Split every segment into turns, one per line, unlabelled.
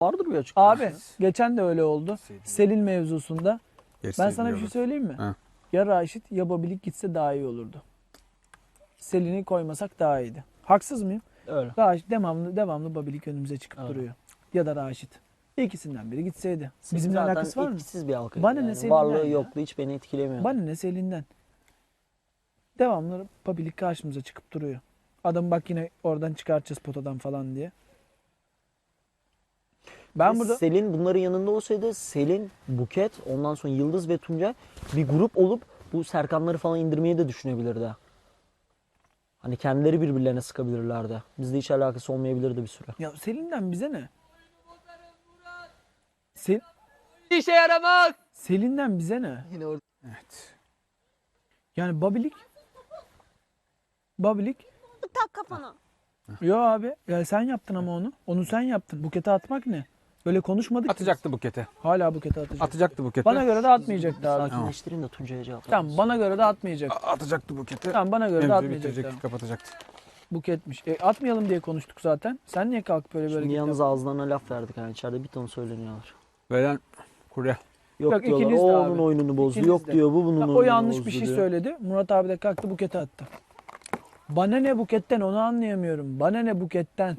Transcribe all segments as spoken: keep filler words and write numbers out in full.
Vardır bir açıklama.
Abi geçen de öyle oldu. Selin mevzusunda. Ben sana bir şey söyleyeyim mi?
Ha.
Ya Raşit ya Babilik gitse daha iyi olurdu. Selin'i koymasak daha iyiydi. Haksız mıyım?
Öyle.
Raşit devamlı devamlı Babilik önümüze çıkıp
Öyle.
duruyor. Ya da Raşit. İkisinden biri gitseydi.
Selin
Bizimle
zaten
alakası var mı?
etkisiz bir halka.
Bana ne
yani.
Selin'den
Varlığı
ya?
yokluğu hiç beni etkilemiyor.
Bana ne Selin'den. Devamlı Babilik karşımıza çıkıp duruyor. Adam bak yine oradan çıkartacağız potadan falan diye. Ben
Ve
burada
Selin bunların yanında olsaydı Selin, Buket, ondan sonra Yıldız ve Tuncay bir grup olup bu Serkanları falan indirmeyi de düşünebilirdi. Hani kendileri birbirlerine sıkabilirlerdi. Bizde hiç alakası olmayabilirdi bir süre.
ya Selin'den bize ne? Sel
İşe yaramaz.
Selin'den bize ne?
Yine orada.
Evet.
Yani Babilik Babilik
Tak kafana.
yo abi ya sen yaptın ama onu. Onu sen yaptın. Bukete atmak ne? Böyle konuşmadık ki
Atacaktı bukete.
biz. Hala bukete atacak.
Atacaktı bukete.
Bana göre de atmayacaktı abi.
Sakinleştirin de Tuncay'a cevap
Tamam bana göre de atmayacak.
A- Atacaktı bukete.
Tamam bana göre de
Mevzuyu
atmayacaktı.
bitirecek, kapatacaktı.
Buketmiş. E, atmayalım diye konuştuk zaten. Sen niye kalkıp böyle böyle
Şimdi
git
yalnız
yaptın?
ağızlarına laf verdik yani içeride bir ton söyleniyorlar.
Veren kurye.
Yok,
Yok,
diyorlar
ikiniz de
o
abi.
onun oyununu bozdu.
İkiniz
Yok
de.
diyor bu bunun
Ya,
oyununu
o yanlış
bozdu
bir şey
diyor.
söyledi. Murat abi de kalktı bukete attı. Bana ne buketten onu anlayamıyorum. Bana ne buketten.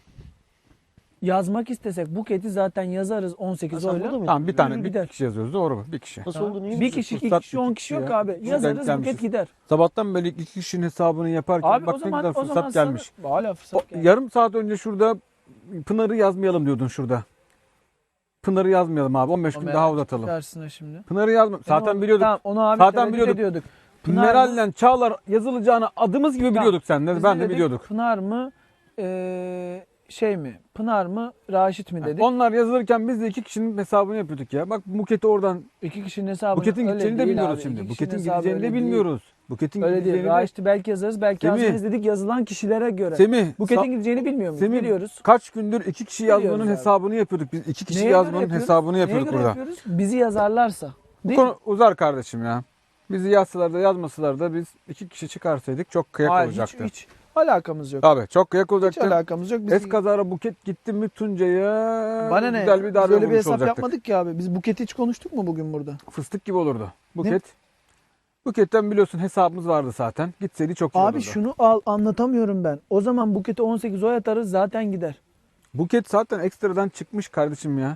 Yazmak istesek buketi zaten yazarız on sekiz
Ha, sen
oyla.
burada mıydın?
Tamam bir tane bir
gider.
kişi yazıyoruz doğru mu? Bir kişi.
Nasıl
Tamam.
olduğunu iyi
Bir
misin?
kişi, iki
Fırsat
kişi, on
iki
kişi
kişi
yok
ya.
abi.
Denk
Yazarız buket
gelmişiz.
gider.
Sabahtan beri iki kişinin hesabını yaparken
Abi
bak
o
ne
zaman
kadar
o zaman
fırsat
sana-
gelmiş.
Hala fırsat
O,
gelmiş.
yarım saat önce şurada Pınar'ı yazmayalım diyordun şurada. Pınar'ı yazmayalım abi. on beş
O
gün
merak
daha uzatalım.
Karşısına şimdi.
Pınar'ı yazma. Zaten
Onu-
biliyorduk.
Tamam, onu abi
Zaten
Zaten
biliyorduk.
ediyorduk. Pınar mı?
Meral'le Çağlar yazılacağını adımız gibi biliyorduk seninle.
Biz
Ben
ne
de
dedik?
biliyorduk.
Pınar mı? Ee, şey mi? Pınar mı? Raşit mi dedik?
Onlar yazılırken biz de iki kişinin hesabını yapıyorduk ya. Bak Buket'i oradan
İki kişinin hesabını.
Buket'in
öyle
gideceğini de
değil
bilmiyoruz
abi.
şimdi.
İki
Buket'in
kişinin hesabı
gideceğini de
öyle değil.
bilmiyoruz. Buket'in
Öyle değil.
gideceğini de...
Raşit'i belki yazarız, belki
Semih.
yazmayız dedik yazılan kişilere göre.
Semih,
Buket'in
sa-
gideceğini bilmiyor muyuz?
Semih,
Biliyoruz.
kaç gündür iki kişi
Biliyoruz
yazmanın
abi.
hesabını yapıyorduk. Biz iki kişi
Neye göre
yazmanın
yapıyoruz?
hesabını
Neye
yapıyorduk
göre
burada.
yapıyoruz? Bizi yazarlarsa.
Bu
Değil mi?
konu uzar kardeşim ya. Bizi yazsalar da yazmasalar da biz iki kişi çıkarsaydık çok kıyak
Hayır,
olacaktı.
hiç, hiç alakamız yok.
Abi çok kıyak
Hiç
olacaktı.
alakamız yok. Biz,
Eskazara Buket gitti mi Tuncay'a
bana ne?
güzel bir
Biz
darbe
öyle bir
vurmuş
hesap
olacaktık.
yapmadık ki abi. Biz Buket'i hiç konuştuk mu bugün burada?
Fıstık gibi olurdu. Buket. Buket'ten biliyorsun hesabımız vardı zaten. Gitseydi çok iyi
Abi
olurdu.
şunu al anlatamıyorum ben. O zaman Buket'e on sekiz oy atarız zaten gider.
Buket zaten ekstradan çıkmış kardeşim ya.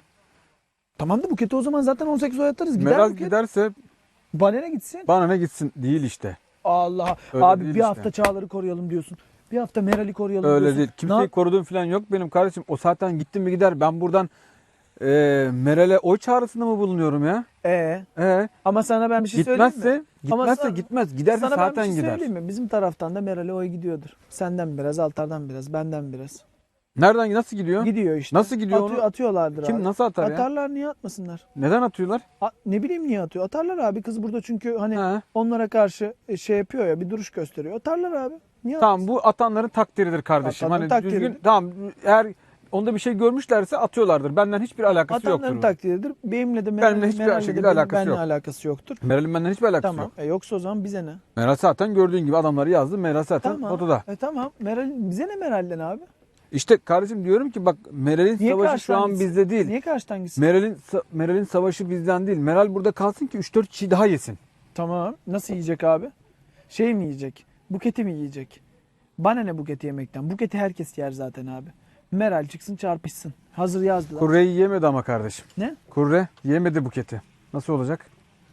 Tamam da Buket'e o zaman zaten on sekiz oy atarız. Gider
Meral
Buket.
giderse
Bana ne gitsin?
bana ne gitsin değil işte.
Allah.
Öyle
Abi
değil
bir
işte.
hafta Çağlar'ı koruyalım diyorsun. Bir hafta Meral'i koruyalım
Öyle
diyorsun.
değil.
Ne
Kimseyi
yap-
koruduğum falan yok benim kardeşim. O zaten gitti mi gider. Ben buradan e, Meral'e oy çağrısında mı bulunuyorum ya?
Ee,
E,
ama sana ben bir şey söyleyeyim mi?
gitmezse,
Ama
gitmezse
sana-
gitmez. Giderse
Sana ben bir
zaten
şey
gider.
söyleyeyim mi? Bizim taraftan da Meral'e oy gidiyordur. Senden biraz, Altar'dan biraz, benden biraz.
Nereden nasıl gidiyor?
Gidiyor işte.
Nasıl gidiyor
Atıyor,
onu?
atıyorlardır
Kim
abi.
nasıl atar ya?
Atarlar, niye atmasınlar?
Neden atıyorlar?
A- ne bileyim niye atıyor? Atarlar abi. Kız burada çünkü hani
Ha.
onlara karşı e, şey yapıyor ya, bir duruş gösteriyor. Atarlar abi. Niye
Tamam bu atanların takdiridir kardeşim.
Atanların
Hani
takdiridir.
düzgün tamam eğer onda bir şey görmüşlerse atıyorlardır. Benden hiçbir alakası
Atanların
yoktur.
takdiridir. Benimle de
Benimle
Meral'le
hiçbir
Meral'le de
şekilde
benim-
alakası
benimle
yok.
alakası yoktur.
Meral'in benden hiçbir alakası
Tamam.
yok.
E, yoksa o zaman bize ne?
Meral zaten gördüğün gibi adamları yazdı. Meral zaten
Tamam.
odada.
E tamam. Meral, bize ne Meral'den abi?
İşte kardeşim diyorum ki bak Meral'in
Niye
savaşı şu
karşıdan
an
gitsin?
bizde değil.
Niye karşıdan gitsin?
Meral'in sa- Meral'in savaşı bizden değil. Meral burada kalsın ki üç dört kişi daha yesin.
Tamam. Nasıl yiyecek abi? Şey mi yiyecek? Buketi mi yiyecek? Bana ne buketi yemekten? Buketi herkes yer zaten abi. Meral çıksın çarpışsın. Hazır yazdılar.
Kurre'yi yemedi ama kardeşim.
Ne?
Kurre yemedi Buket'i. Nasıl olacak?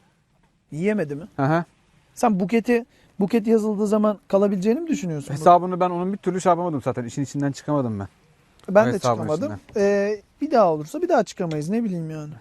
Yiyemedi mi?
Hı hı.
Sen buketi buket yazıldığı zaman kalabileceğini mi düşünüyorsun?
Hesabını ben onun bir türlü şey yapamadım zaten. İşin içinden çıkamadım ben.
Ben de
hesabın
çıkamadım. Ee, bir daha olursa bir daha çıkamayız. Ne bileyim yani.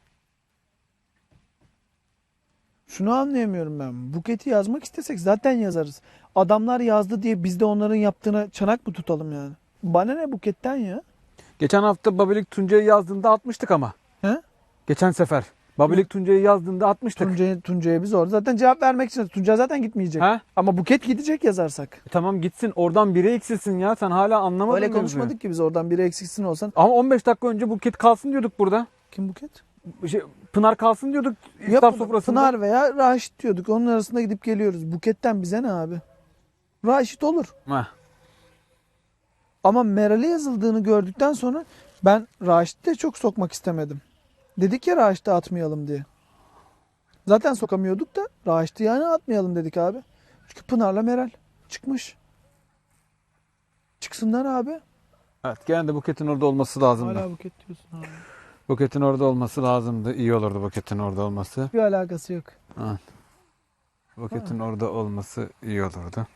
Şunu anlayamıyorum ben. Buketi yazmak istesek zaten yazarız. Adamlar yazdı diye biz de onların yaptığına çanak mı tutalım yani? Bana ne buketten ya?
Geçen hafta Babilik Tuncay'ı yazdığında atmıştık ama.
He?
Geçen sefer. Babilik Tuncay'ı yazdığında atmıştık.
Tuncay'a Tuncay'a biz orada zaten cevap vermek için. Tuncay zaten gitmeyecek.
Ha?
Ama buket gidecek yazarsak.
E tamam gitsin oradan biri eksilsin ya. Sen hala anlamadın
Öyle
mevzuyu.
konuşmadık ki biz oradan biri eksiksin olsan.
Ama on beş dakika önce Buket kalsın diyorduk burada.
Kim buket?
Şey, Pınar kalsın diyorduk
Ya
iftar sofrasında.
Pınar veya Raşit diyorduk. Onun arasında gidip geliyoruz. Buketten bize ne abi? Raşit olur.
Heh.
Ama Meral'e yazıldığını gördükten sonra Ben Raşit'i de çok sokmak istemedim. Dedik ya Raşit'i atmayalım diye. Zaten sokamıyorduk da Raşit'i yani atmayalım dedik abi. Çünkü Pınar'la Meral çıkmış. Çıksınlar abi.
Evet, gene de Buket'in orada olması lazımdı.
Hala buket diyorsun abi.
Buket'in orada olması lazımdı. İyi olurdu Buket'in orada olması.
Bir alakası yok.
Evet. Buket'in orada olması iyi olurdu.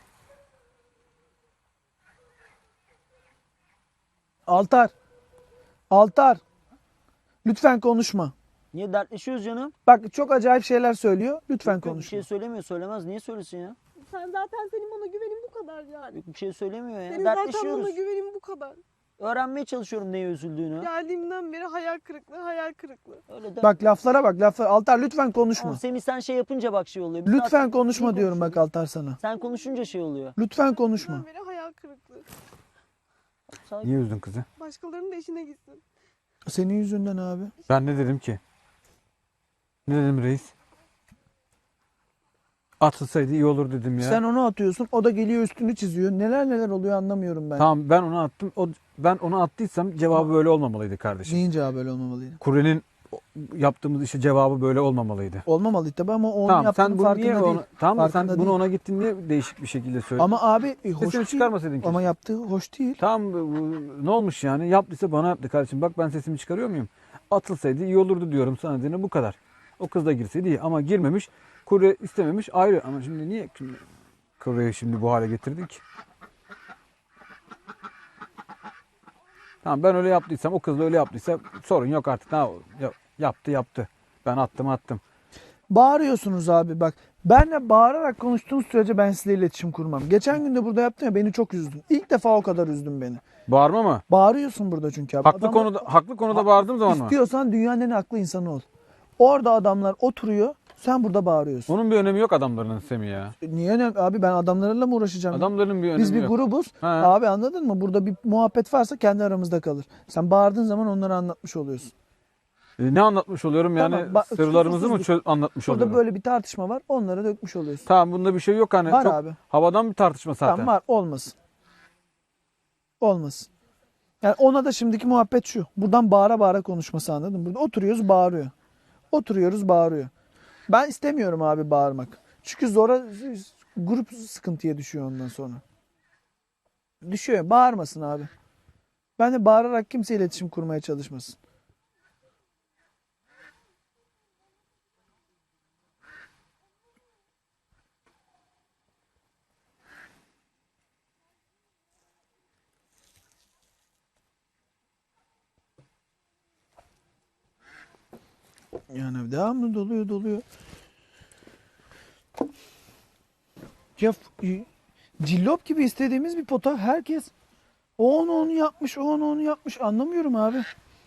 Altar. Altar. Lütfen konuşma.
Niye dertleşiyoruz canım?
Bak çok acayip şeyler söylüyor. Lütfen
Yok, Bir
konuşma.
şey söylemiyor, söylemez. Niye söylesin ya?
Sen zaten senin bana güvenin bu kadar yani.
Yok, Bir şey söylemiyor ya.
Senin zaten
Dertleşiyoruz.
bana güvenin bu kadar.
Öğrenmeye çalışıyorum neye üzüldüğünü.
Geldiğimden beri hayal kırıklığı, hayal kırıklığı.
Öyle de.
Bak laflara bak laflara. Altar lütfen konuşma.
Ama Semih sen şey yapınca bak şey oluyor. Biz
Lütfen
zaten
konuşma
iyi
diyorum bak
konuşuyoruz.
Altar sana.
Sen konuşunca şey oluyor.
Lütfen konuşma.
Geldiğimden beri hayal kırıklığı.
Sakin.
Niye üzdün kızı?
Başkalarının da işine gitsin.
Senin yüzünden abi.
Ben ne dedim ki? Ne dedim reis? Atılsaydı iyi olur dedim ya.
Sen onu atıyorsun. O da geliyor üstünü çiziyor. Neler neler oluyor anlamıyorum ben.
Tamam, ben onu attım. O, ben onu attıysam cevabı böyle olmamalıydı kardeşim.
Neyin cevabı böyle olmamalıydı?
Kure'nin yaptığımız işe cevabı böyle olmamalıydı.
Olmamalıydı tabii ama onun
Tamam,
yaptığının
sen bunu
farkında
niye
değil.
onu, tamam da sen
Farkında
bunu
değil.
ona gittin diye değişik bir şekilde söyledin.
Ama abi e, hoş
Sesini
değil.
çıkarmasaydın
Ama
keşke.
yaptığı hoş değil.
Tamam, bu- ne olmuş yani? Yaptıysa bana yaptı kardeşim. Bak ben sesimi çıkarıyor muyum? Atılsaydı iyi olurdu diyorum sana dediğine bu kadar. O kız da girseydi iyi ama girmemiş. Kure istememiş ayrı. Ama şimdi niye şimdi Kure'yi şimdi bu hale getirdin ki? Tamam, ben öyle yaptıysam, o kız da öyle yaptıysa sorun yok artık. Ha, ya- yaptı yaptı. Ben attım attım.
Bağırıyorsunuz abi bak. Benle bağırarak konuştuğunuz sürece ben sizle iletişim kurmam. Geçen gün de burada yaptın ya beni çok üzdün. İlk defa o kadar üzdün beni.
Bağırma mı?
Bağırıyorsun burada çünkü abi.
Haklı
Adamlar-
konuda haklı konuda bağırdığım zaman mı?
İstiyorsan dünyanın en aklı insanı ol. Orada adamlar oturuyor. Sen burada bağırıyorsun.
Onun bir önemi yok adamların Semih ya.
E Niye ne? Abi ben adamlarla mı uğraşacağım?
Adamların bir önemi
Biz bir
yok.
grubuz.
Ha.
Abi anladın mı? Burada bir muhabbet varsa kendi aramızda kalır. Sen bağırdığın zaman onları anlatmış oluyorsun.
E, Ne anlatmış oluyorum yani?
Tamam, ba-
Sırlarımızı mı
kusursuzluk.
çö- anlatmış
Burada
oluyorum?
böyle bir tartışma var. Onları dökmüş oluyorsun.
Tamam, bunda bir şey yok hani.
Var
Çok
abi.
havadan bir tartışma zaten.
Tamam var. Olmasın. Olmasın. Yani ona da şimdiki muhabbet şu. Buradan bağıra bağıra konuşması anladın mı? Burada oturuyoruz bağırıyor. Oturuyoruz bağırıyor. Ben istemiyorum abi bağırmak. Çünkü zora grup sıkıntıya düşüyor ondan sonra. Düşüyor. Bağırmasın abi. Ben de bağırarak kimse iletişim kurmaya çalışmasın. Yani devamlı doluyor doluyor. Ya f- cillop gibi istediğimiz bir pota herkes o onu onu yapmış, o onu onu yapmış. Anlamıyorum abi.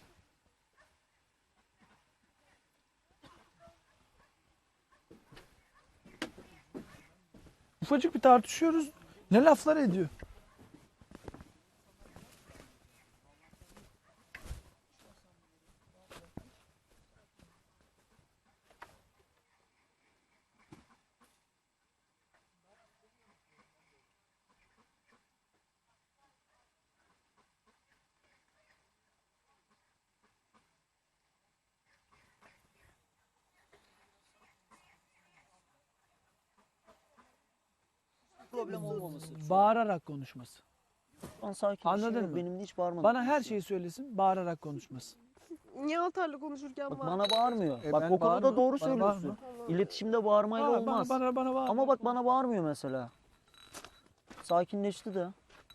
Ufacık bir tartışıyoruz. Ne laflar ediyor.
Problem olmaması.
Bağırarak konuşması.
Şu an sakin.
Anladın
bir şey yok.
mı?
Benim de hiç bağırmadım.
Bana her şeyi söylesin, bağırarak konuşması.
Niye Altar'la konuşurken
Bak
var?
bana bağırmıyor.
E
bak
ben
o konuda
bağırmam,
doğru
bana
söylüyorsun.
bağırma.
İletişimde bağırmayla
Aa,
olmaz.
Bana, bana, bana bağırma.
Ama bak bana bağırmıyor mesela. Sakinleşti de.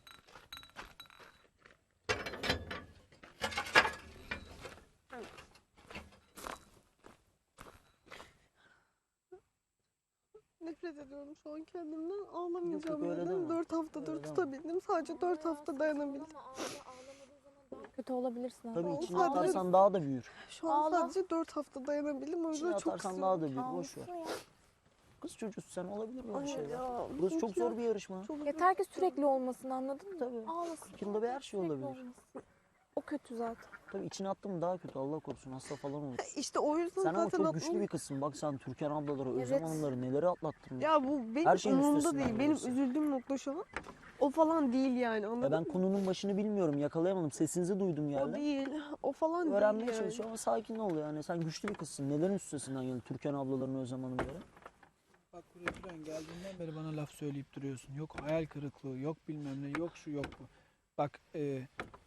Nefret ediyorum şu an kendimden.
Yok,
Ağlamayacağım
yok, öyle
dedim.
deme.
Dört haftadır
Öyle deme.
tutabildim. Sadece dört hafta dayanabildim.
Kötü olabilirsin.
Tabii
Ağla.
içine
Sadece-
atarsan daha da büyür.
Şu an
Ağla.
sadece dört hafta dayanabildim. O
İçine
yüzden çok
atarsan
sinirliyim.
daha da büyür. Boş ver. Kız çocuğusun sen, olabilir böyle
Hayır
şeyler.
ya,
Burası çok
yok ya.
zor bir yarışma.
Çok
Yeter ki sürekli olmasın, anladın mı?
Tabii.
Ağlasın.
Yılda bir her şey
Sürekli
olabilir.
olmasın. O kötü zaten.
Tabii içine attın mı daha kötü, Allah korusun, hasta falan olur.
İşte o yüzden
Sen ama
zaten
çok güçlü
aklım-
bir kızsın. Bak sen Türkan ablaları, Özlem
Evet.
Hanımları neleri atlattın.
Ya bu benim
Her şeyin
umurumda
üstesinden
değil. Benim
geliyorsun.
üzüldüğüm nokta şu an. O falan değil yani,
Ya
anladın
ben
mı?
konunun başını bilmiyorum, yakalayamadım. Sesinizi duydum
O
geldi.
değil. O falan
Öğrenmeye
değil yani.
çalışıyorum ama sakin ol yani. Sen güçlü bir kızsın. Neden üstesinden geldin Türkan ablaların Özlem Hanımları?
Bak buraya Turan geldiğinden beri bana laf söyleyip duruyorsun. Yok hayal kırıklığı, yok bilmem ne, yok şu yok bu. Bak e,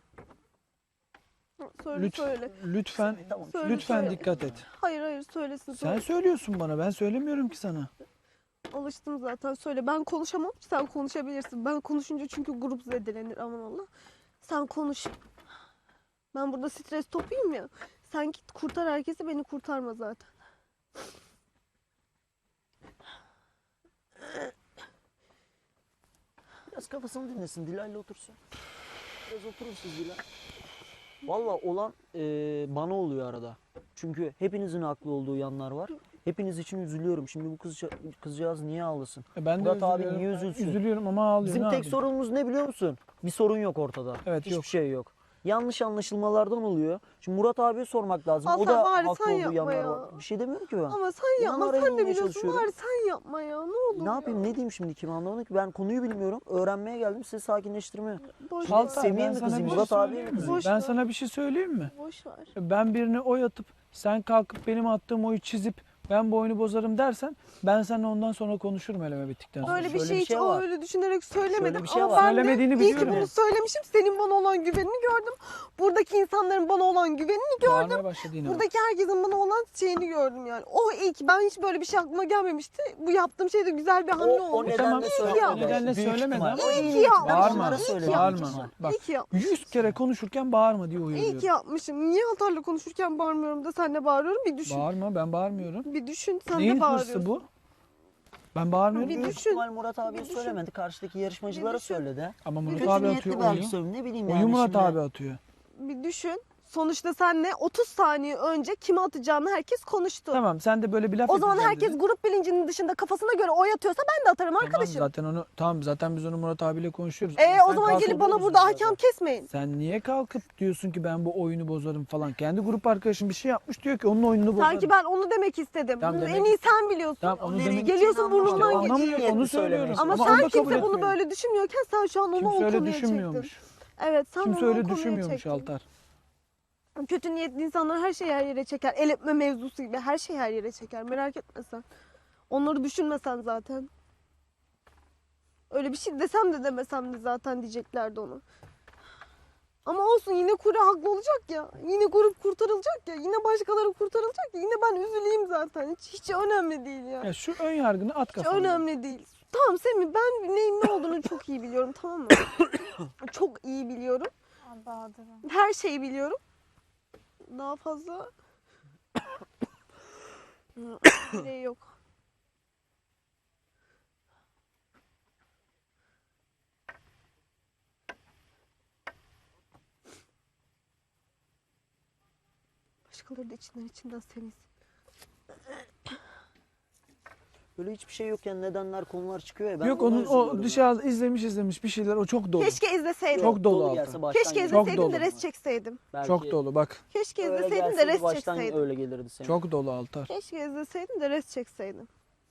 Söyle
lütfen,
söyle.
lütfen,
Tamam.
Söyle,
lütfen
söyle.
dikkat et.
Hayır hayır söylesin.
Sen
Söyle.
söylüyorsun bana, ben söylemiyorum ki sana.
Alıştım zaten, söyle. Ben konuşamam, sen konuşabilirsin. Ben konuşunca çünkü grup zedelenir, aman Allah. Sen konuş. Ben burada stres topuyum ya. Sen git kurtar herkesi, beni kurtarma zaten.
Biraz kafasını dinlesin. Dilay'la otursun. Biraz oturun siz Dilay. Valla olan e, bana oluyor arada. Çünkü hepinizin haklı olduğu yanlar var. Hepiniz için üzülüyorum. Şimdi bu kızca, kızcağız niye ağlasın?
E ben de
Murat abi
üzülüyorum.
niye üzülsün?
Üzülüyorum ama ağlıyorum.
Bizim
ne
tek
yapayım?
sorunumuz ne biliyor musun? Bir sorun yok ortada.
Evet,
Hiçbir
yok.
şey yok. Yanlış anlaşılmalardan oluyor. Şimdi Murat abiye sormak lazım.
Hasan,
o da
bari
haklı
sen
olduğu
yapma
yanlar
ya.
var. Bir şey demiyorum ki ben.
Ama sen
İnan
yapma,
araya
sen de
bulmaya
biliyorsun.
çalışıyorum.
Bari sen yapma ya, ne olur
Ne yapayım,
ya.
ne diyeyim şimdi, kimi anlamadım ki. Ben konuyu bilmiyorum. Öğrenmeye geldim, sizi sakinleştirmeye.
Boş
Şimdi
ver.
Altar,
Semih'e
ben
mi
sana
kızayım,
bir şey
Murat abiye
söyleyeyim
mi
mi?
kızayım?
Boş
Ben
ver.
sana bir şey söyleyeyim mi?
Boş ver.
Ben birine oy atıp sen kalkıp benim attığım oyu çizip ben bu oyunu bozarım dersen ben seninle ondan sonra konuşurum eleme bittikten sonra.
Öyle bir
şöyle
şey
bir
hiç
şey
o
var.
öyle düşünerek söylemedim.
Şöyle bir şey
Ama
var.
ben
Söylemediğini
de iyi ki
biliyorum.
bunu söylemişim. Senin bana olan güvenini gördüm. Buradaki insanların bana olan güvenini gördüm.
Bağırmaya başladı yine. bak.
Buradaki herkesin bana olan şeyini gördüm yani. O iyi ki, ben hiç böyle bir şey aklıma gelmemişti. Bu yaptığım şey de güzel bir hamle
O, o
olmuş.
E tamam,
nedenle
o
söylemedi.
nedenle
Büyük
söylemedi
ihtimal.
ama-
O
İyi
iyi
ki
niyetli.
yapmış.
Ben
Bağırma,
onlara
İyi ki
söyledim.
bağırma.
yapmışım.
Bak
İyi ki yapmışım.
yüz kere konuşurken bağırma diye
İyi
uyarıyorum.
ki yapmışım. Niye Altar'la konuşurken bağırmıyorum da senle bağırıyorum? Bir düşün.
Bağırma, ben bağırmıyorum.
Bir düşün, sen
Neyin
de bağırıyorsun.
hırsı bu? Ben bağırmıyorum.
Bir
Büyük
düşün.
ihtimal Murat abiye
Bir düşün.
söylemedi. Karşıdaki yarışmacılara
Bir düşün.
söyledi.
Ama Murat
Kötü
abi
niyetli
atıyor
belki
oyu.
söyledi. Ne bileyim
Oyu
yani
Murat
şimdi.
abi atıyor.
Bir düşün. Sonuçta senle otuz saniye önce kime atacağını herkes konuştu.
Tamam, sen de böyle bir laf
O zaman
edeceğim
herkes
dedin.
grup bilincinin dışında kafasına göre oy atıyorsa ben de atarım
Tamam,
arkadaşım.
zaten onu tamam zaten biz onu Murat abiyle konuşuyoruz.
Ee,
Ama
o
sen
zaman
kalkıp-
gelip bana
oluyoruz
burada
zaten.
hakem kesmeyin.
Sen niye kalkıp diyorsun ki ben bu oyunu bozarım falan. Kendi grup arkadaşın bir şey yapmış diyor ki onun oyununu bozarım.
Sanki ben onu demek istedim.
Tamam,
Bunu
demek-
en iyi sen biliyorsun.
Tamam, onu
Nereye
demek-
gideceğini
Geliyorsun
anlamadım.
burnundan
Ama
geçiyor.
iyi niyetli
Onu
söylemeye
söylüyorum.
Ama
Ama
çalışıyor.
onu da
sen
kabul
kimse bunu
etmiyorum.
böyle düşünmüyorken sen şu an onu
Kimse
o
öyle
konuya
düşünmüyormuş.
çektin. Evet, sen
Kimse
onu o
öyle
konuya
düşünmüyormuş
çektin.
Altar.
Kötü niyetli insanlar her şeyi her yere çeker. El etme mevzusu gibi her şeyi her yere çeker. Merak etme sen. Onları düşünmesen zaten. Öyle bir şey desem de demesem de zaten diyeceklerdi onu. Ama olsun, yine Kure haklı olacak ya. Yine grup kurtarılacak ya. Yine başkaları kurtarılacak ya. Yine ben üzüleyim zaten. Hiç, hiç önemli değil ya.
Ya şu ön yargını at
Hiç
kafana.
önemli değil. Tamam Semih, ben neyin ne olduğunu çok iyi biliyorum, tamam mı? Çok iyi biliyorum.
Aa, Bahadır'ım.
Her şeyi biliyorum. Daha fazla şey yok. Başkaları da içinden içinden Semih.
Böyle hiçbir şey yokken nedenler, konular çıkıyor ya. Ben
Yok
ona
onun o
üzülüyorum ya.
dışarıda izlemiş izlemiş bir şeyler o çok dolu.
Keşke izleseydim.
Çok dolu
Dolu
Altar.
gelse baştan
Keşke
gelirdi.
Çok
izleseydim
dolu.
de res çekseydim.
Belki
Çok dolu bak.
Keşke
öyle
izleseydim de
gelseydi
res
baştan
çekseydim.
öyle gelirdi senin.
Çok dolu Altar.
Keşke izleseydim de res çekseydim.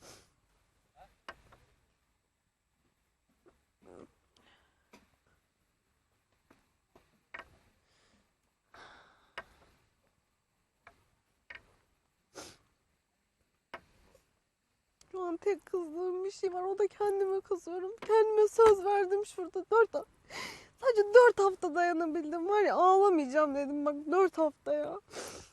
Şu an tek kızdığım bir şey var. O da kendime kızıyorum. Kendime söz verdim şurada. Dört ha- Sadece dört hafta dayanabildim. Var ya, ağlamayacağım dedim. Bak, dört hafta ya.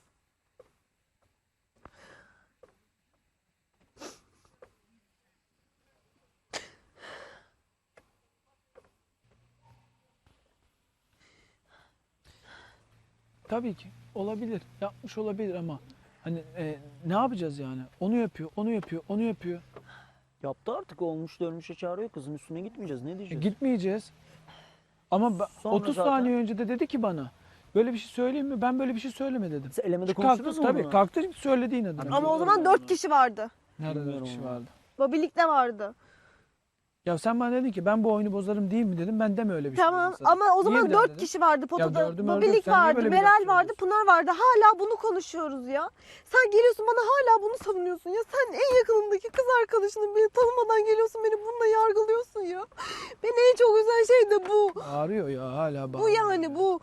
Tabii ki olabilir. Yapmış olabilir ama hani e, ne yapacağız yani? Onu yapıyor, onu yapıyor, onu yapıyor.
Yaptı artık, olmuş dönmüşe çağırıyor, kızın üstüne gitmeyeceğiz. Ne
E,
diyeceğiz?
gitmeyeceğiz. Ama ben-
Sonra
otuz
zaten-
saniye önce de dedi ki bana böyle bir şey söyleyeyim mi? Ben böyle bir şey söyleme dedim.
Siz elemede
Kalktı
konuştunuz mu
tabii
bunu?
kalktı söyledi yine.
Ama
Ama o
Bilmiyorum
zaman
ben
dört
onu.
kişi vardı.
Nerede dört
Bilmiyorum
kişi
onu.
vardı?
Babilik'te vardı.
Ya sen bana dedin ki ben bu oyunu bozarım değil mi dedim. Ben deme öyle bir şey
Tamam
dedim sana.
ama o
Niye
zaman
bir daha
dört
dedin?
kişi vardı potada.
dördü mördü yok.
Babilik
Sen niye
vardı,
böyle bir laf
Meral vardı,
söylüyorsun?
Pınar vardı. Hala bunu konuşuyoruz ya. Sen geliyorsun bana hala bunu savunuyorsun ya. Sen en yakınındaki kız arkadaşını beni tanımadan geliyorsun beni bununla yargılıyorsun ya. Beni en çok üzen şey de bu.
Bağırıyor ya hala
Bu
bağırıyor.
yani bu.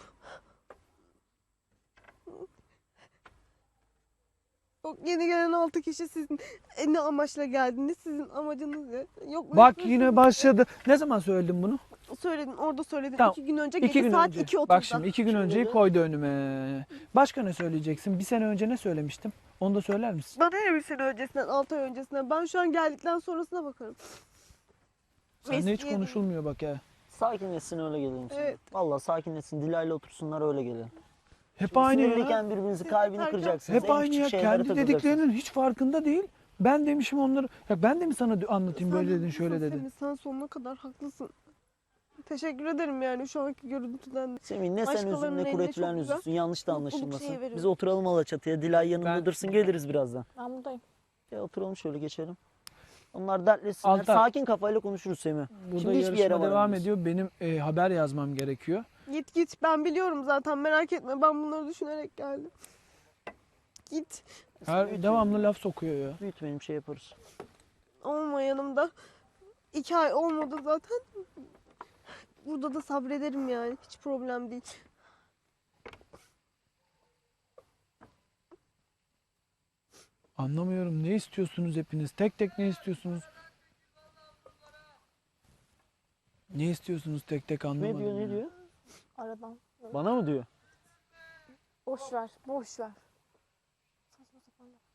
Yok yeni gelen altı kişi sizin e, ne amaçla geldiniz? Sizin amacınız ne? Yok
Bak
ben-
yine başladı. Ne zaman söyledim bunu?
Söyledin orada söyledin.
Tamam.
iki gün önce
İki
gece
gün
saat
önce.
iki otuzda.
Bak şimdi iki gün önceyi koydu önüme. Başka ne söyleyeceksin? Bir sene önce ne söylemiştim? Onu da söyler misin?
Bana ne bir sene öncesinden, altı ay öncesinden. Ben şu an geldikten sonrasına bakarım.
Seninle hiç
Eskiye-
konuşulmuyor bak ya.
Sakinleşsin öyle gelelim sana.
Evet.
Valla sakinleşsin. Dilayla otursunlar öyle gelin.
Hep
Şimdi
aynı ya.
sinirliyken birbirinizi kalbini
Yeter ki-
kıracaksınız.
Hep
En
aynı
küçük
ya.
şeylere
Kendi
takılacaksınız.
dediklerinin hiç farkında değil. Ben demişim onları. Ya ben de mi sana anlatayım böyle
Sen
dedin şöyle
haklısın
dedin.
Semih, sen sonuna kadar haklısın. Teşekkür ederim yani şu anki görüntüden.
Semih ne sen üzün
Başkalarının
ne
eline
Kuretülen
çok güzel
üzülsün. Yanlış da
mutluluk
anlaşılmasın.
şeyi veriyor.
Biz oturalım Alaçatı'ya. Dilay yanında
Ben-
dursun geliriz birazdan.
Ben buradayım.
Ya oturalım şöyle geçelim. Onlar dertleşsinler.
Altan.
Sakin kafayla konuşuruz Semih.
Burada
Şimdi hiçbir yere
yarışma devam
varamayız.
ediyor. Benim e, haber yazmam gerekiyor.
Git git ben biliyorum zaten merak etme ben bunları düşünerek geldim. Git
Her devamlı laf sokuyor ya.
Büyütmeyelim şey yaparız.
olma yanımda. İki ay olmadı zaten. Burada da sabrederim yani hiç problem değil.
Anlamıyorum. Ne istiyorsunuz hepiniz? Tek tek ne istiyorsunuz? Ne istiyorsunuz tek tek anlamadım.
Ne diyor ne
ya.
diyor?
Aradan.
Bana mı diyor?
Boş ver, boş ver. Saçma sapan laf.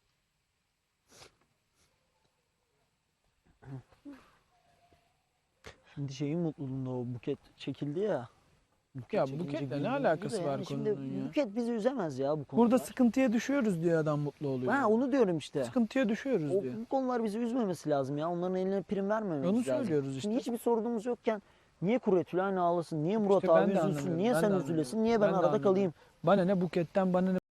Şimdi şeyin mutluluğunda o buket çekildi ya. Buket
Ya
çekilince
buketle ne
güldüğümüz
alakası
de
var
yani şimdi
konunun ya?
Buket bizi üzemez ya bu konuda.
Burada sıkıntıya düşüyoruz diye adam mutlu oluyor.
Ha onu diyorum işte.
Sıkıntıya düşüyoruz
O,
diye.
bu konular bizi üzmemesi lazım ya. Onların eline prim vermememiz
Onu
lazım.
söylüyoruz işte.
Şimdi hiçbir sorunumuz yokken niye Kuretülen ağlasın, niye Murat
İşte ben
abi
de
üzülsün,
anlamıyorum,
niye
ben
sen
de
üzülesin,
anlamıyorum.
niye ben,
Ben de
arada
anlamıyorum.
kalayım?
Bana ne buketten bana ne